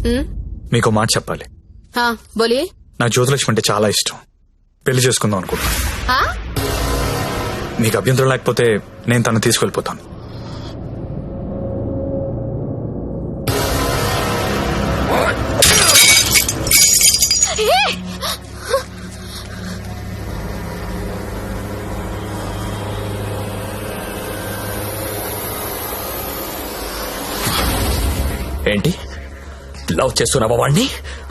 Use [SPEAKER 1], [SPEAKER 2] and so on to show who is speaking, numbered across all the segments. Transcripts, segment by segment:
[SPEAKER 1] మీకు మాట చెప్పాలి.
[SPEAKER 2] బోలియే.
[SPEAKER 1] నాకు జ్యోతిలక్ష్మి అంటే చాలా ఇష్టం. పెళ్లి చేసుకుందాం అనుకుంటున్నా. మీకు అభ్యంతరం లేకపోతే నేను తను తీసుకెళ్లిపోతాను.
[SPEAKER 3] ఏంటి లవ్ చేస్తున్నావా వాణ్ణి?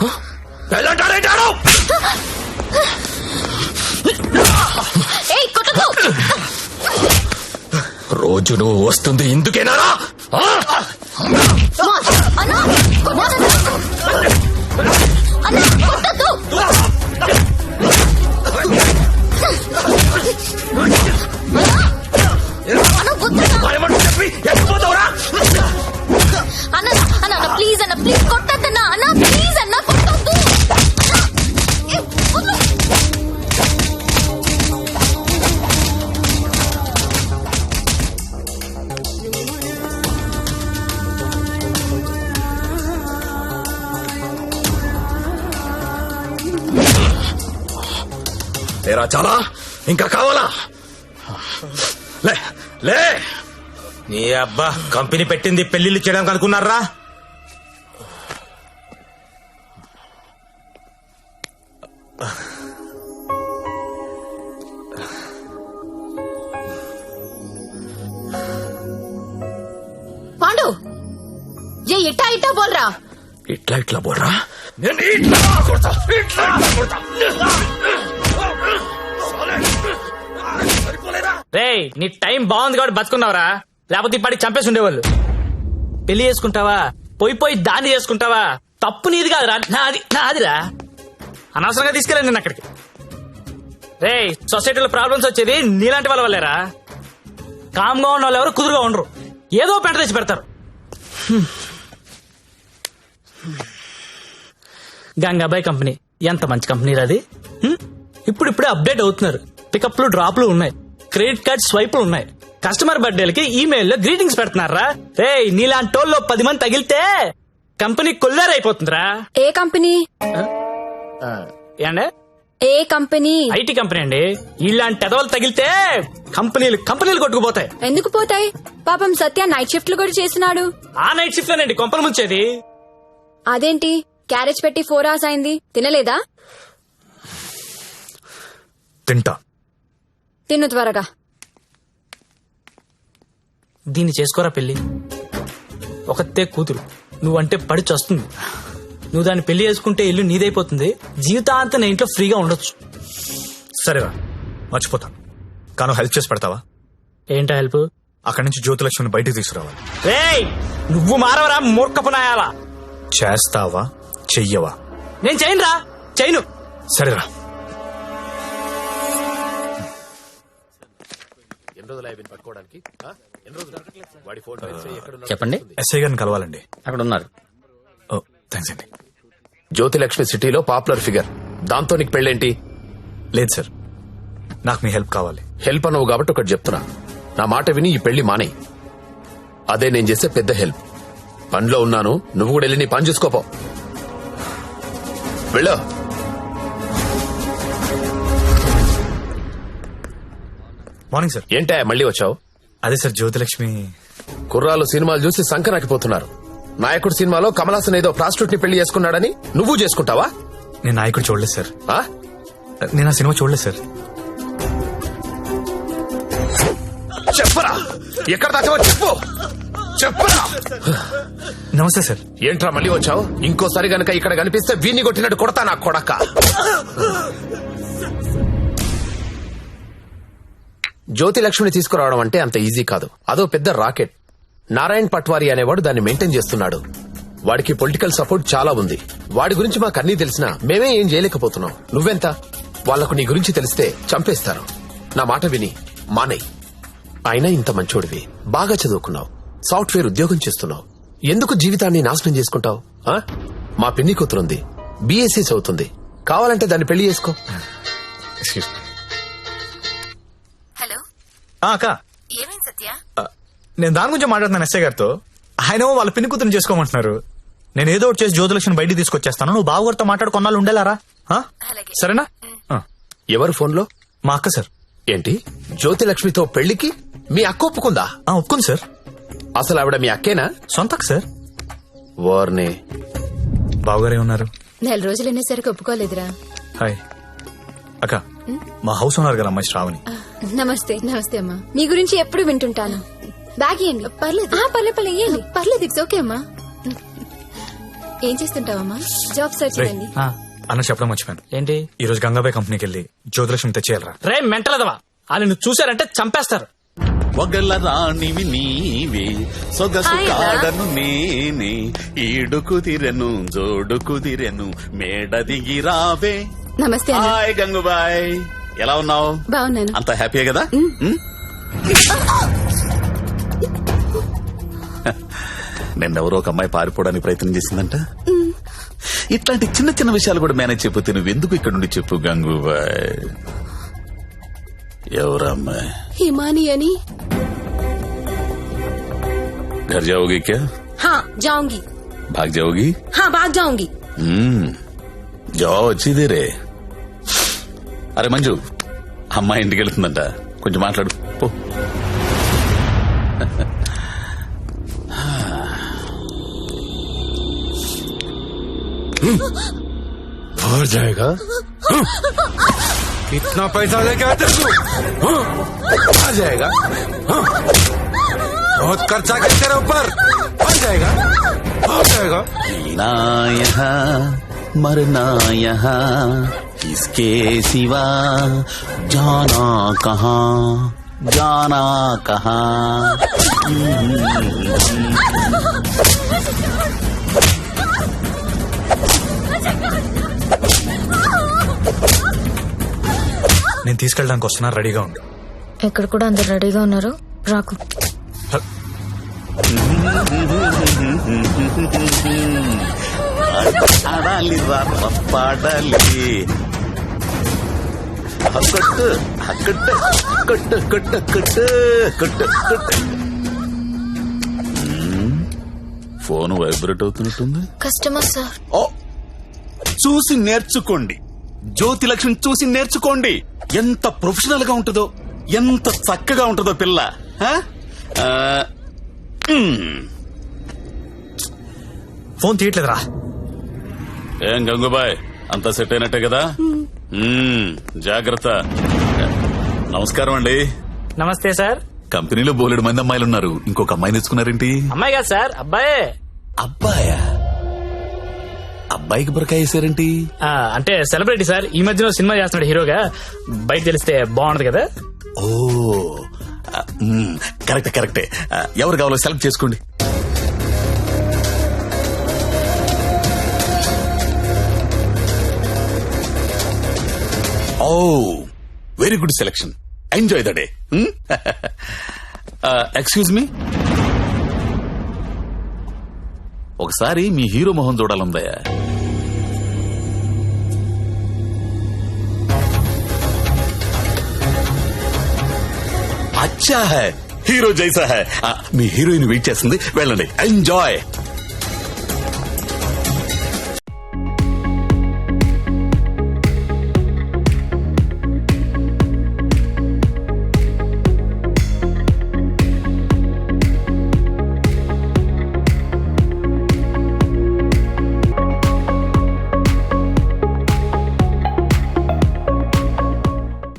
[SPEAKER 3] రోజు నువ్వు వస్తుంది ఇందుకేనా?
[SPEAKER 2] అన్న ప్లీజ్ అన్న, ప్లీజ్ కొట్టద్దన్నా అన్న, ప్లీజ్ అన్న కొట్టద్దు.
[SPEAKER 3] లేరా చాలా? ఇంకా కావాలా? లే లే.
[SPEAKER 4] నీ అబ్బా కంపెనీ పెట్టింది పెళ్లిళ్ళు చేయడానికి అనుకున్నారా?
[SPEAKER 2] పాండు ఏ ఇట్టా ఇట్టా బోల్రా.
[SPEAKER 3] ఇట్లా బోల్రా. నేను ఇట్లా కొడతా.
[SPEAKER 5] రేయ్ నీ టైం బాగుంది కాబట్టి బతుకున్నావురా, లేకపోతే ఇప్పటికి చంపేసి ఉండేవాళ్ళు. పెళ్లి చేసుకుంటావా, పోయి దాన్ని చేసుకుంటావా? తప్పు నీది కాదురా, నాదిరా. అనవసరంగా తీసుకెళ్ళండి నేను అక్కడికి. రేయ్ సొసైటీలో ప్రాబ్లమ్స్ వచ్చేది నీలాంటి వాళ్ళ వల్లేరా. కామ్గా ఉన్న వాళ్ళు ఎవరు కుదురుగా ఉండరు, ఏదో పెంట తెచ్చి పెడతారు. గంగాబాయ్ కంపెనీ ఎంత మంచి కంపెనీ అది. ఇప్పుడిప్పుడే అప్డేట్ అవుతున్నారు. పికప్లు డ్రాప్లు ఉన్నాయి, క్రెడిట్ కార్డ్ స్వైపులు ఉన్నాయి, కస్టమర్ బర్త్డేలకి ఈమెయిల్ లో గ్రీటింగ్స్ పెడుతున్నారా. రే నీలాంటోళ్ళు 10 మంది తగిలితే కంపెనీ కొల్లారైపోతుందిరా.
[SPEAKER 2] ఏ కంపెనీ?
[SPEAKER 5] ఏండే
[SPEAKER 2] ఏ కంపెనీ?
[SPEAKER 5] ఐటీ కంపెనీ అండి. ఇలాంటి ఎదవలు తగిలితే కంపెనీలు కొట్టుకుపోతాయి.
[SPEAKER 2] ఎందుకు పోతాయి? పాపం సత్య నైట్ షిఫ్ట్లు కూడా చేసినాడు.
[SPEAKER 5] ఆ నైట్ షిఫ్ట్ లోనండి కొంపలు ముంచేది.
[SPEAKER 2] అదేంటి క్యారేజ్ పెట్టి 4 hours అయింది, తినలేదా?
[SPEAKER 1] తింటా.
[SPEAKER 2] తిను త్వరగా.
[SPEAKER 5] దీన్ని చేసుకోరా పెళ్లి. ఒకతే కూతురు, నువ్వంటే పడి చస్తుంది. నువ్వు దాన్ని పెళ్లి చేసుకుంటే ఇల్లు నీదైపోతుంది, జీవితాంతం నా ఇంట్లో ఫ్రీగా ఉండొచ్చు.
[SPEAKER 1] సరేరా మర్చిపోతాను, కానీ హెల్ప్ చేసి పెడతావా?
[SPEAKER 5] ఏంటా హెల్ప్?
[SPEAKER 1] అక్కడి నుంచి జ్యోతిలక్ష్మిని బయటికి తీసుకురావాలి.
[SPEAKER 5] రేయ్ నువ్వు మారవరా మూర్ఖపు నాయాలా.
[SPEAKER 1] చేస్తావా చెయ్యవా?
[SPEAKER 5] నేను చేయనురా, చేయను.
[SPEAKER 1] సరేరా.
[SPEAKER 3] చెప్పండి.
[SPEAKER 1] ఎస్ఐ గారిని కలవాలండి.
[SPEAKER 3] అక్కడ ఉన్నారు.
[SPEAKER 1] ఓ థ్యాంక్స్ అండి.
[SPEAKER 3] జ్యోతిలక్ష్మి సిటీలో పాపులర్ ఫిగర్, దాంతో నీకు పెళ్ళేంటి?
[SPEAKER 1] లేదు సార్, నాకు మీ హెల్ప్ కావాలి.
[SPEAKER 3] హెల్ప్ అనవు కాబట్టి ఒకటి చెప్తున్నా, నా మాట విని ఈ పెళ్లి మానే. అదే నేను చేసే పెద్ద హెల్ప్. పనిలో ఉన్నాను, నువ్వు కూడా వెళ్ళి నీ పని చూసుకోపో. వెళ్ళు.
[SPEAKER 1] Morning sir.
[SPEAKER 3] ఏంటా మళ్ళీ వచ్చావు?
[SPEAKER 1] అదే సార్ జ్యోతిలక్ష్మి.
[SPEAKER 3] కుర్రాలు సినిమాలు చూసి సంకరాకిపోతున్నారు. నాయకుడు సినిమాలో కమల్ హాసన్ ఏదో ప్రాస్టిట్యూట్ ని పెళ్లి చేసుకున్నాడని నువ్వు చేసుకుంటావా?
[SPEAKER 1] నేను నాయకుడు చూడలేదు సార్.
[SPEAKER 3] ఆ?
[SPEAKER 1] నేను ఆ సినిమా చూడలేదు సార్.
[SPEAKER 3] చెప్పరా, ఎక్కడ దాచావో చెప్పు. చెప్పరా.
[SPEAKER 1] నమస్తే సార్.
[SPEAKER 3] ఏంట్రా మళ్ళీ వచ్చావు? ఇంకోసారి గనక ఇక్కడ కనిపిస్తే వీణ్ణి కొట్టినట్టు కొడతా నా కొడక. జ్యోతిలక్ష్మిని తీసుకురావడం అంటే అంత ఈజీ కాదు, అదో పెద్ద రాకెట్. నారాయణ్ పట్వారీ అనేవాడు దాన్ని మెయింటైన్ చేస్తున్నాడు. వాడికి పొలిటికల్ సపోర్ట్ చాలా ఉంది. వాడి గురించి మాకు అన్నీ తెలిసినా మేమే ఏం చేయలేకపోతున్నాం. నువ్వెంత? వాళ్లకు నీ గురించి తెలిస్తే చంపేస్తారు. నా మాట విని మానేయ్. అయినా ఇంత మంచోడివి, బాగా చదువుకున్నావు, సాఫ్ట్వేర్ ఉద్యోగం చేస్తున్నావు, ఎందుకు జీవితాన్ని నాశనం చేసుకుంటావు? మా పిన్ని కూతురుంది, బీఎస్సీ చదువుతుంది, కావాలంటే దాన్ని పెళ్లి చేసుకో.
[SPEAKER 2] హలో
[SPEAKER 1] అక్క,
[SPEAKER 2] ఏమైంది సత్య?
[SPEAKER 1] నేను దాని గురించి మాట్లాడుతున్నాను ఎస్ఐ గారితో. ఆయన వాళ్ళ పిన్ని కూతురుని చేసుకోమంటున్నారు. నేను ఏదో ఒకటి చేసి జ్యోతిలక్ష్మి బయటికి తీసుకొచ్చేస్తాను. నువ్వు బావగారితో మాట్లాడు కొన్నాళ్ళు ఉండేలారా? ఆ? సరేనా? ఆ.
[SPEAKER 3] ఎవరు ఫోన్లో?
[SPEAKER 1] మా అక్క సార్.
[SPEAKER 3] ఏంటి జ్యోతిలక్ష్మితో పెళ్లికి మీ అక్క ఒప్పుకుందా?
[SPEAKER 1] ఒప్పుకుంది సార్.
[SPEAKER 3] అసలు ఆవిడ మీ అక్కేనా?
[SPEAKER 1] సొంత అక్క సార్.
[SPEAKER 3] వార్నే
[SPEAKER 1] బావగారే ఉన్నారు.
[SPEAKER 2] 4 రోజులు అనేసరికి ఒప్పుకోలేదురా.
[SPEAKER 1] హాయ్ అక్క, మా హౌస్ ఓనర్ గారు అమ్మాయి శ్రావణి.
[SPEAKER 6] నమస్తే. నమస్తే అమ్మా. మీ గురించి ఎప్పుడు వింటుంటాను. బ్యాగ్ ఇవ్వండి. పర్లేదు పర్లేదు ఇవ్వండి. పర్లేదు, ఇట్స్ ఓకే అమ్మా. ఏం చేస్తుంటావమ్మా? జాబ్ సర్చ్
[SPEAKER 1] రేయ్,
[SPEAKER 6] చేయండి.
[SPEAKER 1] అన్న చెప్పడం మర్చిపోయాను.
[SPEAKER 5] ఏంటి?
[SPEAKER 1] ఈ రోజు గంగాబాయ్ కంపెనీకి వెళ్ళి జ్యోతిలక్ష్మి తెచ్చేయాలరా.
[SPEAKER 5] రే మెంటలదవా, వాళ్ళు నువ్వు చూసారంటే చంపేస్తారు.
[SPEAKER 7] ఒగల రాణివి నీవే సొగసు కాడను నేనే ఈడు కుదిరెను జోడు కుదిరెను మేడ దిగి రావే.
[SPEAKER 6] నమస్తే అన్న.
[SPEAKER 7] హాయ్ గంగుబాయ్, ఎలా ఉన్నావు?
[SPEAKER 6] బాగున్నాను.
[SPEAKER 7] అంత హ్యాపీయే కదా? నిన్నెవరో ఒక అమ్మాయి పారిపోవడానికి ప్రయత్నం చేసిందంట. ఇట్లాంటి చిన్న చిన్న విషయాలు కూడా మేనేజ్ చెప్పితే నువ్వెందుకు ఇక్కడ నుండి చెప్పు గంగుబాయ్. ఎవరమ్మాయి?
[SPEAKER 6] హిమాని అని.
[SPEAKER 7] घर जाओगी क्या?
[SPEAKER 6] हाँ जाऊंगी.
[SPEAKER 7] भाग जाओगी?
[SPEAKER 6] हाँ भाग जाऊंगी.
[SPEAKER 7] जाओ अच्छी देरे. అరే మంజు, అమ్మాయి ఇంటికి వెళ్తుందంట, కొంచెం మాట్లాడు పో.
[SPEAKER 3] और जाएगा? कितना पैसा लेके आते तू? आ जाएगा? बहुत खर्चा कर तेरे ऊपर. आ जाएगा? आ जाएगा?
[SPEAKER 7] जीना यहाँ मरना यहाँ इसके सिवा जाना कहाँ जाना कहाँ.
[SPEAKER 1] నేను తీసుకెళ్ళడానికి వస్తున్నా, రెడీగా ఉండు.
[SPEAKER 2] ఇక్కడ కూడా అందరు రెడీగా ఉన్నారు, రాకు.
[SPEAKER 7] ఆడాలి పాడాలి కొట్టు కొట్టు కొట్టు కొట్టు కొట్టు కొట్టు కొట్టు. ఫోన్ వైబ్రేట్ అవుతున్నట్టుంది.
[SPEAKER 2] Customer sir.
[SPEAKER 7] ఓ, చూసి నేర్చుకోండి. జ్యోతిలక్ష్మి చూసి నేర్చుకోండి. ఎంత ప్రొఫెషనల్ గా ఉంటుందో, ఎంత చక్కగా ఉంటుందో పిల్ల.
[SPEAKER 1] ఫోన్ తీయట్లేదురా.
[SPEAKER 7] ఏం గంగుబాయ్, అంతా సెట్ అయినట్టే కదా? జాగ్రత్త. నమస్కారం అండి.
[SPEAKER 5] నమస్తే సార్.
[SPEAKER 7] కంపెనీలో బోలెడు మంది అమ్మాయిలు ఉన్నారు, ఇంకొక అమ్మాయి తెచ్చుకున్నారేంటి?
[SPEAKER 5] అమ్మాయి కాదు సార్, అబ్బాయే.
[SPEAKER 7] అబ్బాయా? అబ్బాయికి బురకాయ వేసారేంటి?
[SPEAKER 5] అంటే సెలబ్రిటీ సార్, ఈ మధ్యలో సినిమా చేస్తున్నాడు హీరోగా. బయట తెలిస్తే బాగుండదు కదా.
[SPEAKER 7] ఓ కరెక్టే కరెక్టే. ఎవరు కావాలో సెలెక్ట్ చేసుకోండి. Oh very good selection. Enjoy the day. Excuse me, ఒకసారి మీ హీరో మొహం చూడాలందయ్యా. అచ్చా హై, హీరో జైసా హై. మీ హీరోయిన్ వెయిట్ చేస్తుంది, వెళ్ళండి. ఎంజాయ్.